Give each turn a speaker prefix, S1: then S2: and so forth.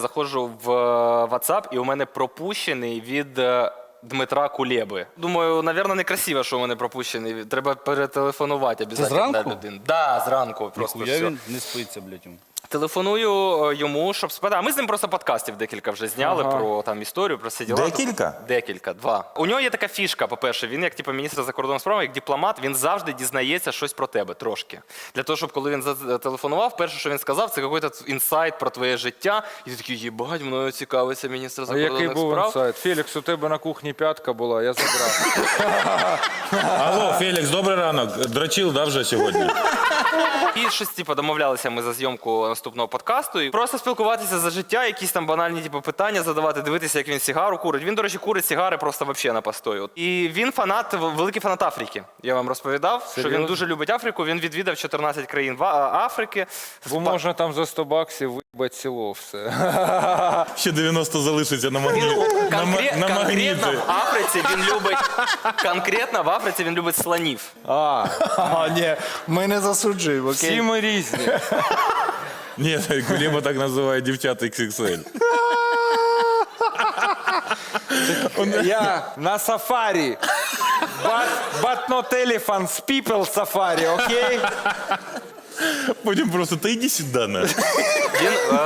S1: Заходжу в WhatsApp, і у мене пропущений від Дмитра Кулеби. Думаю, напевно, некрасиво, що у мене пропущений. Треба перетелефонувати обов'язково.
S2: зранку?
S1: Да, зранку. Просто
S2: Ніхуя
S1: все.
S2: він не спиться, блядь, йому.
S1: Телефоную йому, щоб спитати. А ми з ним просто подкастів декілька вже зняли про там історію, про всі діла.
S3: Декілька?
S1: Декілька, 2. У нього є така фішка, по-перше, він як типу, міністр закордонних справ, як дипломат, він завжди дізнається щось про тебе трошки. Для того, щоб коли він зателефонував, перше, що він сказав, це якийсь інсайт про твоє життя. І ти такий, їбать, мною цікавиться міністр
S4: А
S1: закордонних
S4: який був
S1: справ.
S4: інсайт? Фелікс, у тебе на кухні п'ятка була, я забрав.
S3: Алло, Фелікс, добрий ранок. Дрочил, да, вже сьогодні?
S1: І щось типу, домовлялися ми за зйомку наступного подкасту. І просто спілкуватися за життя, якісь там банальні типу, питання задавати, дивитися, як він сигару курить. Він, до речі, курить сигари просто взагалі на постою. І він фанат, великий фанат Африки. Я вам розповідав, що він дуже любить Африку. Він відвідав 14 країн Африки.
S4: Бо можна там за 100 баксів вибити село все.
S3: Ще 90 залишиться на магніті.
S1: Конкретно в Африці він любить конкретно в Африці він любить слонів.
S2: А, ні, ми не засуджуємо, окей?
S4: Всі ми різні.
S3: Ні, Кулеба так називає дівчат XXL.
S4: Я на сафарі. But not elephants, people сафарі, окей?
S3: Потім просто, та йди сюди, на.
S1: Він